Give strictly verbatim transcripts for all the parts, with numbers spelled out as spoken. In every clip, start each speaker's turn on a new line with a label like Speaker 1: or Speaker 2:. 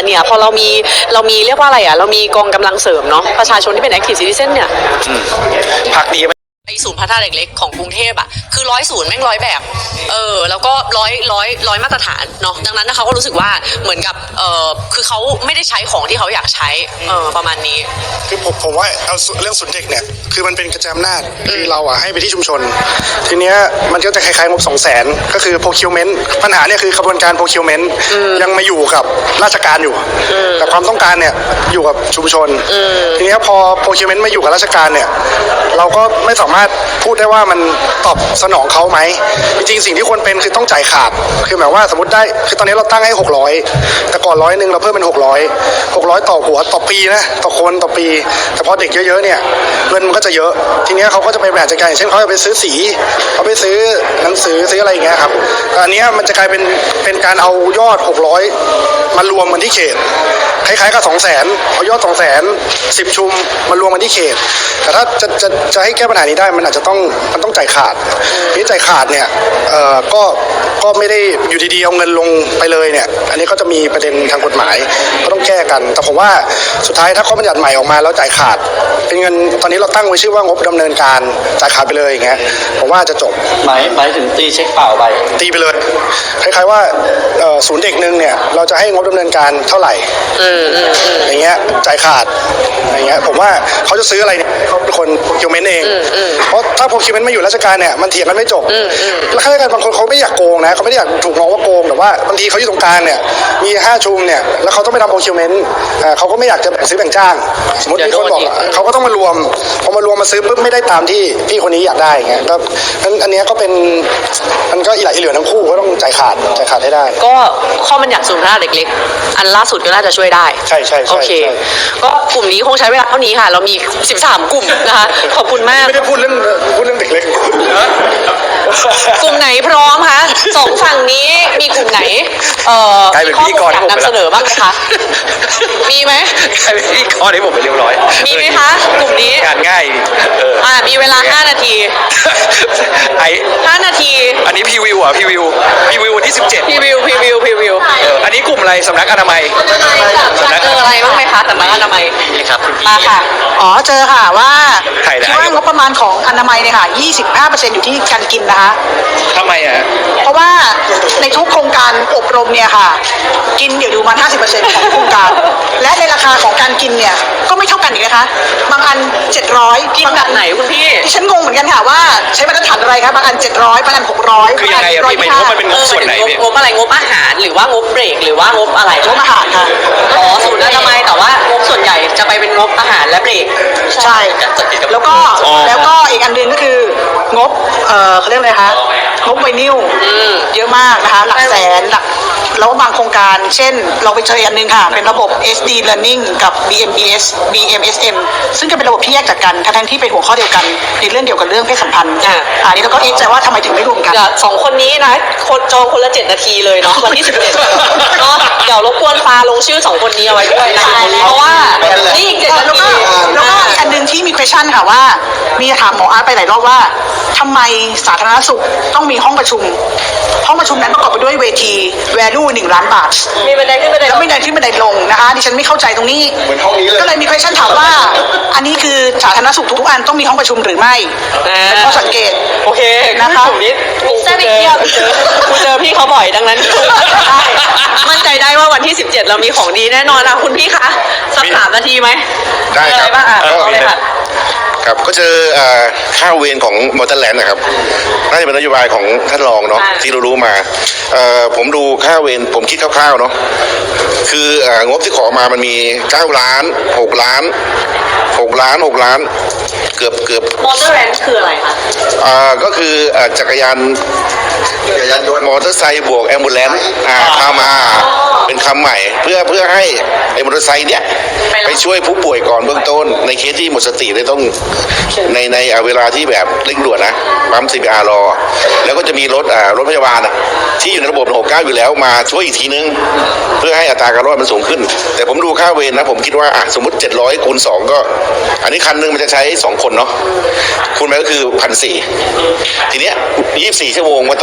Speaker 1: เนี่ยพอเรามีเรามีเรียกว่าอะไรอ่ะเรามีกองกำลังเสริมเนาะประชาชนที่เป็น active citizen เนี่ย
Speaker 2: พักดี
Speaker 1: ไอศูนย์พัฒนาเด็กเล็กของกรุงเทพอ่ะคือร้อยศูนย์แม่งร้อยแบบเออแล้วก็ร้อยร้อยร้อยมาตรฐานเนาะดังนั้นนะเขาก็รู้สึกว่าเหมือนกับเออคือเขาไม่ได้ใช้ของที่เขาอยากใช้เออประมาณนี้
Speaker 3: คือผมผมว่าเอาเรื่องศูนย์เด็กเนี่ยคือมันเป็นกระจายอำนาจคือเราอ่ะให้ไปที่ชุมชนทีเนี้ยมันก็จะคล้ายๆงบสองแสนก็คือ procurement ปัญหาเนี่ยคือกระบวนการ procurement ยังมาอยู่กับราชการอยู่แต่ความต้องการเนี่ยอยู่กับชุมชนทีเนี้ยพอ procurement มาอยู่กับราชการเนี่ยเราก็ไม่สามารถพูดได้ว่ามันตอบสนองเขาไหมจริงๆสิ่งที่ควรเป็นคือต้องจ่ายขาดคือหมายว่าสมมติได้คือตอนนี้เราตั้งให้หกร้อยแต่ก่อนร้อยหนึ่งเราเพิ่มเป็นหกร้อยหกร้อยต่อหัวต่อปีนะต่อคนต่อปีแต่พอเด็กเยอะๆเนี่ยเงินมันก็จะเยอะทีนี้เขาก็จะไปแบ่งจัดการเช่นเขาจะไปซื้อสีเขาไปซื้อหนังสือซื้ออะไรอย่างเงี้ยครับอันนี้มันจะกลายเป็นเป็นการเอายอดหกร้อยมารวมกันที่เขตคล้ายๆกับสองแสนเอายอดสองแสนสิบชุมมารวมกันที่เขตแต่ถ้าจะจะจะให้แก้ปัญหานี้ได้มันอาจจะต้องมันต้องจ่ายขาดนี่จ่ายขาดเนี่ยเอ่อก็ก็ไม่ได้อยู่ดีๆเอาเงินลงไปเลยเนี่ยอันนี้ก็จะมีประเด็นทางกฎหมายก็ต้องแก้กันแต่ผมว่าสุดท้ายถ้าข้อบัญญัติใหม่ออกมาแล้วจ่ายขาดเป็นเงินตอนนี้เราตั้งไว้ชื่อว่างบดำเนินการจ่ายขาดไปเลยอย่างเงี้ยผมว่าจะจบ
Speaker 2: หมายหมายถึงตีเช็คเปล่าไป
Speaker 3: ตีไปเลยคล้ายๆว่าศูนย์เด็กนึงเนี่ยเราจะให้งบดำเนินการเท่าไหร่อย่างเงี้ยจ่ายขาดอย่างเงี้ยผมว่าเขาจะซื้ออะไรเนี่ยเขาเป็นคนโปรคิวเมนต์เองเพราะถ้าโปรคิวเมนต์ไม่อยู่ราชการเนี่ยมันเถียงกันไม่จบแล้วข้าราชการบางคนเขาไม่อยากโกงนะเขาไม่ได้อยากถูกมองว่าโกงแต่ว่าบางทีเขาอยู่ตรงกลางเนี่ยมีห้าชุมเนี่ยแล้วเขาต้องไปทำโปรคิวเมนต์เขาก็ไม่อยากจะซื้อแบ่งจ้างสมมติมีคนบอกเขาก็ต้องมารวมพอมารวมมาซื้อปุ๊บไม่ได้ตามที่พี่คนนี้อยากได้ไงแล้วนั้นอันนี้ก็เป็นมันก็อีหลายอีเหลือทั้งคู่ก็ต้องจ่ายขาดจ่ายขาดให้ได้
Speaker 1: ก็ข้อบัญญัติศูนย์พัฒนาเด็กเล็กอันล่าสุดก็น่าจะช่วยได้
Speaker 3: ใช่ใช่
Speaker 1: โอเคก็กลุ่มนี้คงใช้เวลาเท่านี้ค่ะเรามีสิบสามกลุ่มนะคะขอบคุณมาก
Speaker 3: ไม่ได้พูดเรื่องพูดเรื่องเด็กเล็ก
Speaker 1: กลุ่มไหนพร้อมคะสองฝั่งนี้มีกลุ่มไหนเอ่อข้อมูลอยากนำเสนอบ้างไหมคะมีไหม
Speaker 2: ใครเป็นพี่กรให้ผมไปเรียบร้อย
Speaker 1: มีไหมคะกลุ่มนี้
Speaker 2: งานง่าย
Speaker 1: อ่ามีเวลาห้านาที
Speaker 2: ไอ
Speaker 1: ห้านาที
Speaker 2: อันนี้พีวิวอ่ะพีวิวพีวิววันที่สิบเจ็ด
Speaker 1: พีวิวพีวิวพีวิว
Speaker 2: อันนี้กลุ่มอะไรสำนักอนามัย
Speaker 1: สำนักเจออะไรบ้างไหมคะสำนักอนามัย
Speaker 2: นี่ครับคุณพี่
Speaker 4: มาค่ะอ๋อเจอค่ะว่าที่ว่างบประมาณของอนามัยเนี่ยค่ะ ยี่สิบห้าเปอร์เซ็นต์ อยู่ที่การกินนะคะ
Speaker 2: ทำไมอ่ะ
Speaker 4: เพราะว่าในทุกโครงการอบรมเนี่ยค่ะกินอยู่ดูมา ห้าสิบเปอร์เซ็นต์ ของโครงการและในราคาของการกินเนี่ยก็ไม่เท่ากันอีกนะคะบางอันเจ็ดร้อย
Speaker 1: กินแบบไหนคุณพี่
Speaker 4: ดิฉันงงเหมือนกันค่ะว่าใช้มาตรฐานอะไรคะบางอันเจ็ดร้อยบางอันหกร้อย
Speaker 2: คือยังไงอ่ะพี่ไม่รู้มันเป็นงบส่วนไหน
Speaker 1: งบอะไรงบอาหารหรือว่างบเบรกหรือว่างบอะไร
Speaker 4: งบอาหารค่ะ
Speaker 1: อ๋อศูนย์อนามัยแต่ว่างบส่วนใหญ่จะไปเป็นงบอาหารและเบรก
Speaker 4: ใช่แล้วก็แล้วก็อีกอันนึงก็คืองบเอ่อเขาเรียกอะไรคะงบไวนิลเยอะมากนะคะหลักแสนหลักแล้วบางโครงการเช่นเราไปเจออันนึงค่ะเป็นระบบ เอส ดี Learning กับ บี เอ็ม อี เอส บี เอ็ม เอส เอ็ม ซึ่งก็เป็นระบบที่แยกจากกันทั้งที่เป็นหัวข้อเดียวกันในเรื่องเดียวกันเรื่องเพศสัมพันธ์อันนี้เราก็เอ๊ะใจว่าทำไมถึงไม่รวมกัน
Speaker 1: สองคนนี้นะคนจองคนละเจ็ดนาทีเลยเนาะวันที่สิบเอ็ดเนาะเดี๋ยวรบกวนฟ้าลงชื่อสองคนนี้เอาไว้ด้วยนะเพราะว่านี่อีกเจ็ดนาที
Speaker 4: แล้วก็อันนึงที่มี question ค่ะว่ามีถามหมออาร์ตไปหลายรอบว่าทำไมสาธารณสุขต้องมีห้องประชุมห้องประชุมนั้นประกอบไปด้วยเวที value หนึ่งล้านบาท
Speaker 1: มีบันไดขึ้นบันได
Speaker 4: แล้วไม่ได้ขึ้นบันไดลงนะคะดิฉันไม่เข้าใจตรงนี้ก็เลยมี question ถามว่าอันนี้คือสาธารณสุขทุกอันต้องมีห้องประชุมหรือไม่เป็นข้อสังเกต
Speaker 1: โอเค
Speaker 4: นะคะ
Speaker 1: กลุ่มนี้แซ่บอีกเที่ยวกูเจอพี่เขาบ่อยดังนั้นมั่นใจได้ว่าวันที่สิบเจ็ดเรามีของดีแน่นอนนะคุณพี่คะสักสามนาทีไหม
Speaker 5: ได้ครับ
Speaker 1: บ้างอ่ะเอาเลยค่ะ
Speaker 5: ครับก็เจอค่าเวรของมอเตอร์แลนด์นะครับน่าจะเป็นนโยบายของท่านรองเนาะที่เรารู้มาผมดูค่าเวรผมคิดคร่าวๆเนาะคืองบที่ขอมามันมีเก้าล้านหกล้านหกล้านหกล้านเกือบเกือบ
Speaker 1: มอเตอร์แลนด์คืออะไรคะ
Speaker 5: อ่าก็คือจักรยานจักรยานยนต์มอเตอร์ไซค์บวกแอมบูเลนซ์อ่าเข้ามาเป็นคำใหม่เพื่อเพื่อให้ไอ้มอเตอร์ไซค์เนี้ยไปช่วยผู้ป่วยก่อนเบื้องต้นในเคสที่หมดสติเลยต้องในในเวลาที่แบบเร่งด่วนนะปั๊ม ซี พี อาร์ รอแล้วก็จะมีรถอ่ารถพยาบาลที่อยู่ในระบบหกเก้าอยู่แล้วมาช่วยอีกทีนึงเพื่อให้อัตราการรอดมันสูงขึ้นแต่ผมดูค่าเวรนะผมคิดว่าอ่ะสมมติเจ็ดร้อยคูณสองก็อันนี้คันนึงมันจะใช้สองคนเนาะคูณไปก็คือพันสี่ทีเนี้ยยี่สิบสี่ชั่วโมงมันต้อง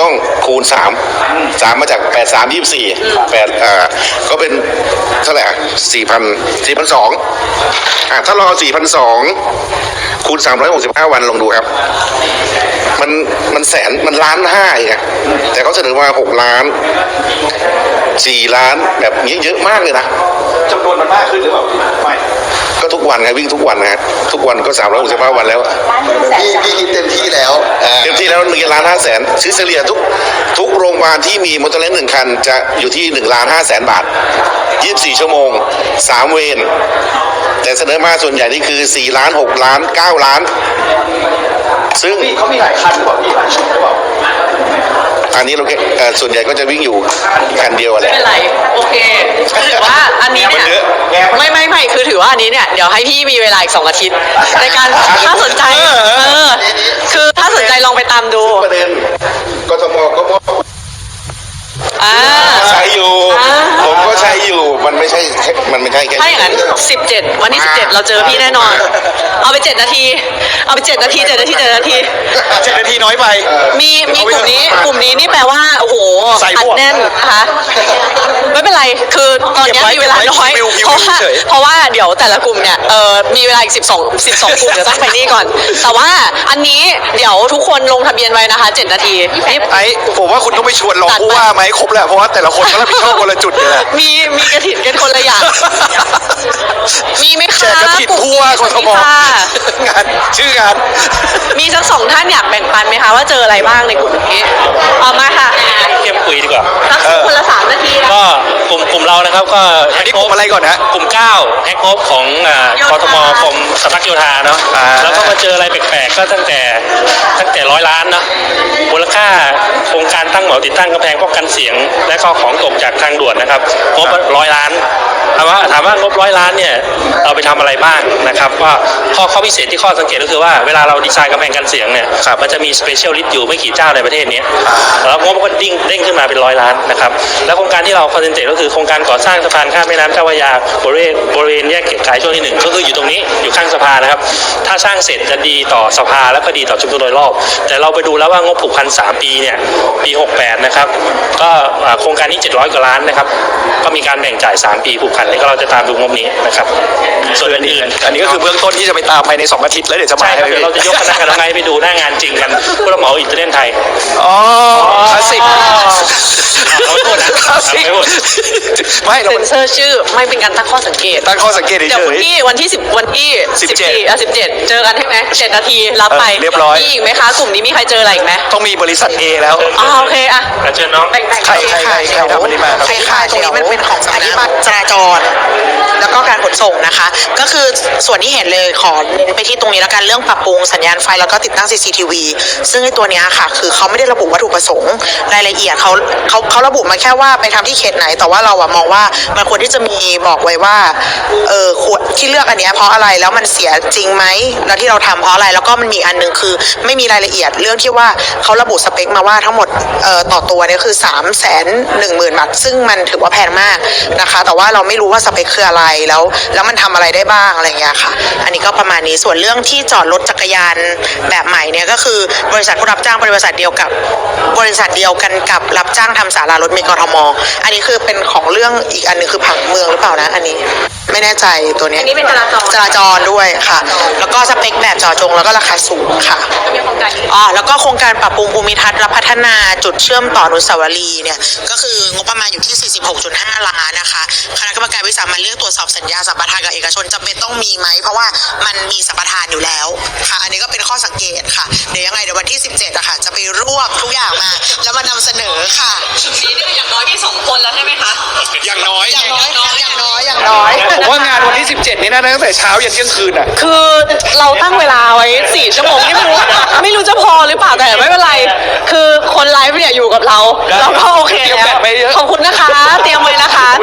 Speaker 5: ต้องคูณสามสามมาจากแปดสามยี่สิบสี่แปดอ่าก็เป็นเท่าไหร่สี่พันสี่พันสองอ่าถ้าเราเอาสี่พันสองคูณสามร้อยหกสิบห้าวันลองดูครับ มันมันแสนมันล้านห้าอีกอะแต่เขาเสนอมาหกล้านสี่ล้านแบบนี้เยอะมากเลยนะ
Speaker 2: จำนวนมันมากขึ้นหรือเปล่าไม่
Speaker 5: ก็ทุกวันไงวิ่งทุกวันนะฮะทุกวันก็สามร้อยหกสิบห้าวันแล้ว
Speaker 6: พี่พี่คิดเต็มที่แล้วอ่า
Speaker 5: เต็มที่แล้วหนึ่งล้านห้าแสนซื้อเฉลี่ยทุกทุกโรงพยาบาลที่มีมอเตอร์ไซค์หนึ่งคันจะอยู่ที่หนึ่งล้านห้าแสนบาทยี่สิบสี่ชั่วโมงสามเวรแต่เสนอมาส่วนใหญ่นี่คือสี่ล้านหกล้านเก้าล้าน ซึ่ง
Speaker 2: เขามีหลายคันหรือเปล่าพี่หลายชุดหรือเปล่า
Speaker 5: อันนี้เราแค่เอ่อส่วนใหญ่ก็จะวิ่งอยู่คันเดียวอะแห
Speaker 1: ไม่
Speaker 5: ละ
Speaker 1: เป็นไรโอเคคือถือว่าอันนี้เนี่ยไม่ไม่ไม่คือถือว่าอันนี้เนี่ยเดี๋ยวให้พี่มีเวลาอีกสองอาทิตย์ในการถ้าสนใจเออคือถ้าสนใจลองไปตามดู
Speaker 5: ประเด็นกทมก็มอบ
Speaker 1: อ่า
Speaker 5: ใช้อยู่
Speaker 1: อ่า
Speaker 5: ผมก็ใช้อยู่มันไม่ใช่แค่มันไม่ใช่แค่
Speaker 1: ถ้าอย่างนั้นสิบเจ็ดวันที่สิบเจ็ดเราเจอพี่แน่นอน เอาไปเจ็ดนาที เอาไปเจ็ดนาทีเจ็ดนาทีเจ็ดนาที
Speaker 2: เจ็ดนาทีน้อยไป
Speaker 1: มีมีกลุ่มนี้กลุ่มนี้นี่แปลว่าโอ้โห
Speaker 2: ใส่
Speaker 1: อั
Speaker 2: บ
Speaker 1: ด
Speaker 2: วก
Speaker 1: แน่นนะคะไม่เป็นไรคือตอนนี้มีเวลาน้อย
Speaker 2: เก็บไว้
Speaker 1: เพราะว่า
Speaker 2: เฉย
Speaker 1: เพราะว่าเดี๋ยวแต่ละกลุ่มเนี่ยเออมีเวลาอีกสิบสอง สิบสองกลุ่มเดี๋ยวต้องไปนี่ก่อน แต่ว่าอันนี้เดี๋ยวทุกคนลงทะเบียนไว้นะคะเจ็ดนาทีนี่
Speaker 2: ไอ้ผมว่าคุณต้องไปชวนรองผู้ว่าไหมครบแหละเพราะว่าแต่ละคนก็รับผิดชอบคนละจุดเนี่ยแหละ
Speaker 1: มีมีกระถิ่นกันคนละอย่าง มีไหม
Speaker 2: แจ
Speaker 1: คะ
Speaker 2: กกระถิ่นผู้ว่ากทม
Speaker 1: ค่ะ
Speaker 2: งานชื่องาน
Speaker 1: มีสักสองท่านอยากแบ่งปันไหมคะว่าเจออะไรบ้างในกลุ่มนี้เอามาค่ะ
Speaker 7: เข้มคุยดีกว่า
Speaker 1: สักคนละสามนาทีนะ
Speaker 7: ก็กลุ่มกลุ่มเรานะครับก็
Speaker 2: อันนี้กลุ่มอะไรก่อนนะ
Speaker 7: กลุ่มเก้าแฮกโคบของอ่ากทมกรมสำนักโยธาเนาะ
Speaker 2: อ่า
Speaker 7: แล้วก็มาเจออะไรแปลกๆก็ตั้งแต่ตั้งแต่ร้อยล้านเนาะมูลค่าโครงการตั้งเหมาติดตั้งกำแพงป้องกันเสียง และก็ของตกจากทางด่วนนะครับงบร้อยล้านถามว่าถามว่างบร้อยล้านเนี่ยเราไปทำอะไรบ้างนะครับว่าข้อข้อพิเศษที่ข้อสังเกตก็คือว่าเวลาเราดีไซน์กำแพงกันเสียงเนี่ยมันจะมีสเปเชียลลิสต์อยู่ไม่กี่เจ้าในประเทศนี้แล้วงบก็ดิ้งเด้งขึ้นมาเป็นร้อยล้านนะครับแล้วโครงการที่เราคอนเซนเทรตก็คือโครงการก่อสร้างสะพานข้ามแม่น้ำเจ้าพระยาบริเวณบริเวณแยกเกียรติกายช่วงที่หนึ่งก็คืออยู่ตรงนี้อยู่ข้างสะพานนะครับถ้าสร้างเสร็จจะดีต่อสภาแล้วก็ดีต่อชุมชนโดยรอบแต่เราไปดูแล้วว่างบผูกพันสามปีเนี่ยปีหกแปดนะครับก็อ่าโครงการนี้เจ็ดร้อยกว่าล้านนะครับก็มีการแบ่งจ่ายสามปีผูกพันนี่ก็เราจะตามดูงบนี้นะครับส่วนอื่นๆ
Speaker 2: อันนี้ก็คือเบื้องต้นที่จะไปตามภายในสองอาทิตย์แล้วเดี๋ยวจะมา
Speaker 7: ใช่ครับ
Speaker 2: ให้
Speaker 7: เดี๋ยวเราจะยกคณะกรรมการไปดูหน้างานจริงกันผู้รับเหมาอิตาเลียนไทย
Speaker 2: อ๋อคลาสสิก
Speaker 7: เราไม่พูดนะ
Speaker 2: คลาสสิก
Speaker 7: ไม่พูด
Speaker 2: ไม่เรา
Speaker 1: เซ็นเซอร์ชื่อไม่เป็นการตั้งข้อสังเกต
Speaker 2: ตั้งข้อสังเกต
Speaker 1: เดี๋ยว
Speaker 2: เฉ
Speaker 1: คุณ
Speaker 2: ย
Speaker 1: พี่วันที่สิบวันที่
Speaker 2: สิบเจ็ด
Speaker 1: สี่อ่ะสิบเจ็ดเจอกันใช่ไหมเจ็ดนาทีรับไป
Speaker 2: เออเรียบร้อย
Speaker 1: มีอีกไหมคะกลุ่มนี้มีใครเจออะไรอีกไหม
Speaker 2: ต้องมีบริษัท A แล้ว
Speaker 1: อ๋อโอเคอ่ะ
Speaker 7: เชิญน้อง
Speaker 1: แบ่งๆ
Speaker 2: ใครใครใครใครทำอันนี้มาครับ
Speaker 4: ใช่ค่ะตรงนี้มันเป็นของสำนักจราจร แล้วก็การขนส่งนะคะ ก็คือส่วนที่เห็นเลยขอเน้นไปที่ตรงนี้แล้วกันเรื่องปรับปรุงสัญญาณไฟแล้วก็ติดตั้ง ซี ซี ที วี ซึ่งไอ้ตัวเนี้ยค่ะคือเขาไม่ได้ระบุวัตถุประสงค์รายละเอียดเขาเขาเขาระบุมาแค่ว่าไปทำที่เขตไหน แต่ว่าเราอะมองว่ามันควรที่จะมีบอกไว้ว่าเออควรที่เลือกอันเนี้ยเพราะอะไรแล้วมันเสียจริงไหมแล้วที่เราทำเพราะอะไรแล้วก็มันมีอันหนึงคือไม่มีรายละเอียดเรื่องที่ว่าเขาระบุสเปคมาว่าทั้งหมดเอ่อต่อตัวเนี่ยคือสามแสนหนึ่งหมื่นบาทซึ่งมันถือว่าแพงมากนะคะ แต่ว่าเราไม่รู้ว่าสเปคคืออะไรแล้วแล้วมันทำอะไรได้บ้างอะไรอย่างเงี้ยค่ะ อันนี้ก็ประมาณนี้ส่วนเรื่องที่จอดรถจักรยานแบบใหม่เนี่ยก็คือบริษัทผู้รับจ้างบริษัทเดียวกับบริษัทเดียวกันกับรับจ้างทำศาลารถเมล์กทมอันนี้คือเป็นของเรื่องอีกอันหนึงคือผังเมืองหรือเปล่านะอันนี้ไม่แน่ใจตัวเนี้ย
Speaker 1: อันนี้เป็นจราจร
Speaker 4: จราจรด้วยค่ะ แล้วก็สเปคแบบเจาะจงแล้วก็ราคาสูงค่ะ
Speaker 1: มีโครงการนี้
Speaker 4: อ๋อแล้วก็โครงการปรับปรุงภูมิทัศน์และพัฒนาจุดเชื่อมต่ออนุสาวรีย์เนี่ยก็คืองบประมาณอยู่ที่ สี่สิบหกจุดห้า ล้านนะคะคณะกรรมการวิสามัญเรียกตรวจสอบสัญญาสัมปทานกับเอกชนจำเป็นต้องมีไหมเพราะว่ามันมีสัมปทานอยู่แล้วค่ะ อันนี้ก็เป็นข้อสังเกตค่ะเดี๋ยวยังไงเดี๋ยววันที่สิบเจ็ดอะค่ะจะไปรวบทุกอย่างมา แล้วมานำเสนอค่ะ
Speaker 1: ชุดนี้เนี่ยอย่างน้อยมีสองคนแล้วใช่ไหมคะ
Speaker 2: อย่างน้อย
Speaker 4: อย่างน้อยค่ะอย่างน้อยอย่างน้อย
Speaker 2: ผมว่างานวันที่สิบเจ็ดนี่น่าจะตั้งแต่เช้ายันเที่ยงคืนอ่ะ
Speaker 1: คือเราตั้งเวลาไว้สี่ชั่วโมงนี่ไม่รู้ไม่รู้จะพอหรือเปล่าแต่ไม่เป็นไร คือคนไลฟ์เนี่ยอยู่กับเรา เราก็โอเค
Speaker 2: เตรียม
Speaker 1: แล้
Speaker 2: แบ
Speaker 1: ว
Speaker 2: ตไว้เยอะ
Speaker 1: ขอบคุณนะคะ เตรียมไว้นะคะ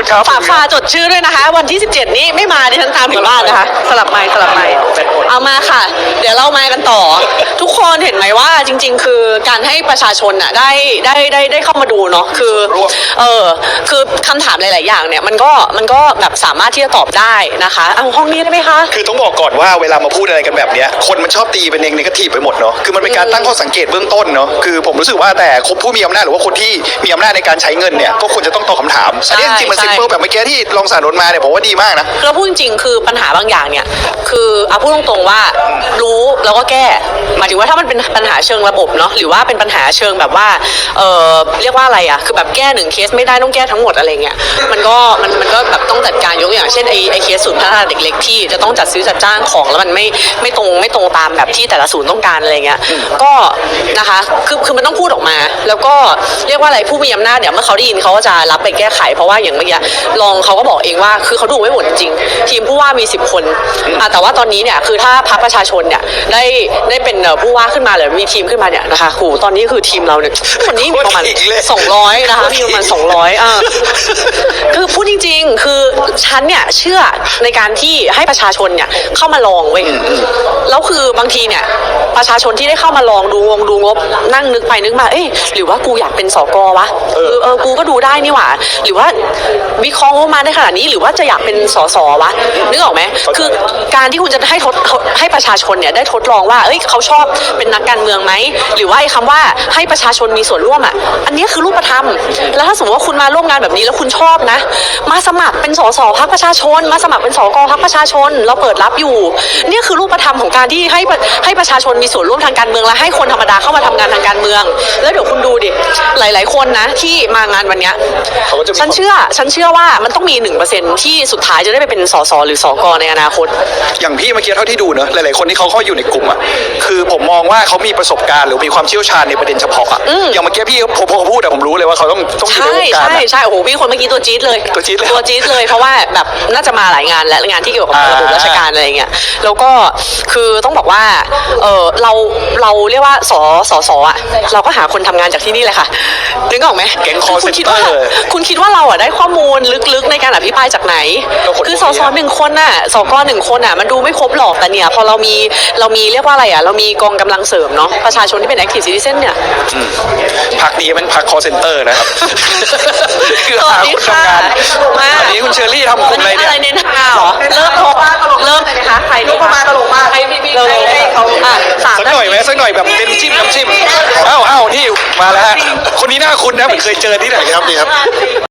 Speaker 2: คุณครับ
Speaker 1: ฝากฟ้าจดชื่อด้วยนะคะ วันที่สิบเจ็ดนี้ไม่มาดิฉันตามถึงบ้านนะคะ สลับไม้สลับไม้เอามาค่ะ เดี๋ยวเรามากันต่อ ทุกคนเห็นไหมว่าจริง ๆ คือการให้ประชาชนอ่ะได้ได้ได้ได้เข้ามาดูเนาะคือเออคือคำถามหลาย ๆ อย่างเนี่ยมันก็มันก็แบบสามารถที่จะตอบได้นะคะเอาห้องนี้ได้ไหมคะ
Speaker 2: คือต้องบอกก่อนว่าเวลามาพูดอะไรกันแบบเนี้ยคนมันชอบตีเป็นเองในกระถีบไปหมดเนาะคือมันเป็นการตั้งข้อสังเกตเบื้องต้นเนาะคือผมรู้สึกว่าแต่ผู้มีอำนาจหรือว่าคนที่มีอำนาจในการใช้เงินเนี่ยก็ควรจะต้องตอบคำถามอันนี้จริงๆมัน
Speaker 1: ใช่
Speaker 2: ซิมเปิลแบบเมื่อกี้ที่รองสารนนท์มาเนี่ยผมว่าดีมากนะ
Speaker 1: เราพูดจริงๆคือปัญหาบางอย่างเนี่ยคือเอาพูดตรงๆว่ารู้แล้วก็แก้หมายถึงว่าถ้ามันเป็นปัญหาเชิงระบบเนาะหรือว่าเป็นปัญหาเชิงแบบว่าเออเรียกว่าอะไรอ่ะคือแบบแก้หนึ่งเคสไม่ได้ต้องแก้ทั้งหมดอะไรเงี้ยมันก็มันมันก็แบบต้องจัดการยกตัวอย่างเช่นไอไอเคสศูนย์พัฒนาเด็กเล็กที่จะต้องจัดซื้อจัดจ้างของแล้วมันไม่ไม่ตรงไม่ตรงตามแบบที่แต่ละศูนย์ต้องการอะไรเงี้ยก็นะคะคือคือมันต้องพูดออกมา แล้วก็เรียกว่าอะไรผู้มีอำนาจเนี่ยเมื่อเขาได้ยินเขาก็จะรับไปแก้ไขเพราะว่าอย่างเมื่อกี้รองเขาก็บอกเองว่าคือเขาดูไม่หมดจริงๆทีมผู้ว่ามีสิบคนอ่ะแต่ว่าตอนนี้เนี่ยคือถ้าพรรคประชาชนเนี่ยได้ได้เป็นเอ่อผู้ว่าขึ้นมาหรือมีทีมขึ้นมาเนี่ยนะคะโหตอนนี้คือทีมเราเนี่ยวันนี้มีประมาณ
Speaker 2: โคตรอีกเลย
Speaker 1: สองร้อยนะคะมีประมาณสองร้อยอ่ะคือพูดจริงๆ คือฉันเนี่ยเชื่อในการที่ให้ประชาชนเนี่ยเข้ามาลองเว้ยแล้วคือบางทีเนี่ยประชาชนที่ได้เข้ามาลองดูวงดูงบนั่งนึกไปนึกมาเอ๊ะหรือว่ากูอยากเป็นสกวะเออเออกูก็ดูได้นี่หว่าหรือว่าวิเคราะห์งบมาได้ขนาดนี้หรือว่าจะอยากเป็นสสวะนึกออกไหมคือการที่คุณจะให้ทดให้ประชาชนเนี่ยได้ทดลองว่าเอ้ยเขาชอบเป็นนักการเมืองไหมหรือว่าไอ้คำว่าให้ประชาชนมีส่วนร่วมอ่ะอันนี้คือรูปธรรมแล้วถ้าสมมติว่าคุณมาร่วมงานแบบนี้แล้วคุณชอบนะมาสมัครเป็นสสพรรคประชาชนมาสมัครเป็นสกพรรคประชาชนเราเปิดรับอยู่เนี่ยคือรูปธรรมของการที่ให้ให้ประชาชนมีส่วนร่วมทางการเมืองและให้คนธรรมดาเข้ามาทำงานทางการเมือง แล้วเดี๋ยวคุณดูดิหลาย ๆ คนนะที่มางานวันเนี้ย
Speaker 2: เขาก็จะมี
Speaker 1: ฉันเชื่อฉันเชื่อว่ามันต้องมีหนึ่งเปอร์เซ็นที่สุดท้ายจะได้ไปเป็นสสหรือสกในอนาคต
Speaker 2: อย่างพี่เมื่อกี้เท่าที่ดูเนอะหลายๆคนที่เขาเข้าอยู่ในกลุ่มอ่ะคือผมมองว่าเขามีประสบการณ์หรือมีความเชี่ยวชาญในประเด็นเฉพาะอ่ะอย่างเมื่อกี้พี่พอพอพูดแต่ผมรู้เลยว่าเขาต้องต้องอยู่
Speaker 1: ใช่
Speaker 2: ในวงการ
Speaker 1: ใช่
Speaker 2: อะ
Speaker 1: ใช่โอ้โหพี่คนเมื่อกี้ตัวจี๊ดเลย
Speaker 2: ตัวจี๊ดเลย
Speaker 1: ตัวจี๊ดเลยเพราะว่าแบบน่าจะมาหลายงานและงานที่เกี่ยวกับ
Speaker 2: อ่า
Speaker 1: ระบบราชการอะไรอย่างเงี้ยแล้วก็คือต้องบอกว่าเออเราเราเรียกว่าสสสอ่ะเราก็หาคนทำงานจากที่นี่แหละค่ะนึกออกไหม
Speaker 2: แก๊ง call
Speaker 1: คุณคิดว่า
Speaker 2: center
Speaker 1: คุณคิดว่าเราอ่ะได้ข้อมูลลึกๆในการอภิปรายจากไหน
Speaker 2: ก็คน
Speaker 1: คือสสหนึ่งคนน่ะสกหนึ่งคนน่ะมันดูไม่ครบหรอกแต่เนี่ยพอเรามีเรามีเรียกว่าอะไรอ่ะเรามีกองกำลังเสริมเนาะประชาชนที่เป็น active citizen เนี่ย
Speaker 2: พักนี้เป็นพัก call center นะครับ คือ
Speaker 1: สวั
Speaker 2: หา
Speaker 1: สดี
Speaker 2: คน
Speaker 1: ค่ะ
Speaker 2: ทำงาน
Speaker 1: มา
Speaker 2: อันนี้คุณเชอรี่ทำกลุ่มอะไรเนี่ย
Speaker 1: อะไรเนี่ยนะคะเหรอเริ่มโทรเริ่มเลยนะคะใครดีคะ
Speaker 4: มาตลกมาก
Speaker 1: ใครพี่พี่ให้ให้เขาอ่ะสาม
Speaker 2: สักหน่อยไหมสักหน่อยแบบเป็นจิ้มน้ำจิ้มอ้าวอ้าวนี่มาแล้วฮะคนนี้หน้าคุณนะเหมือนเคยเจอที่ไหน
Speaker 6: ครับนี่ครับ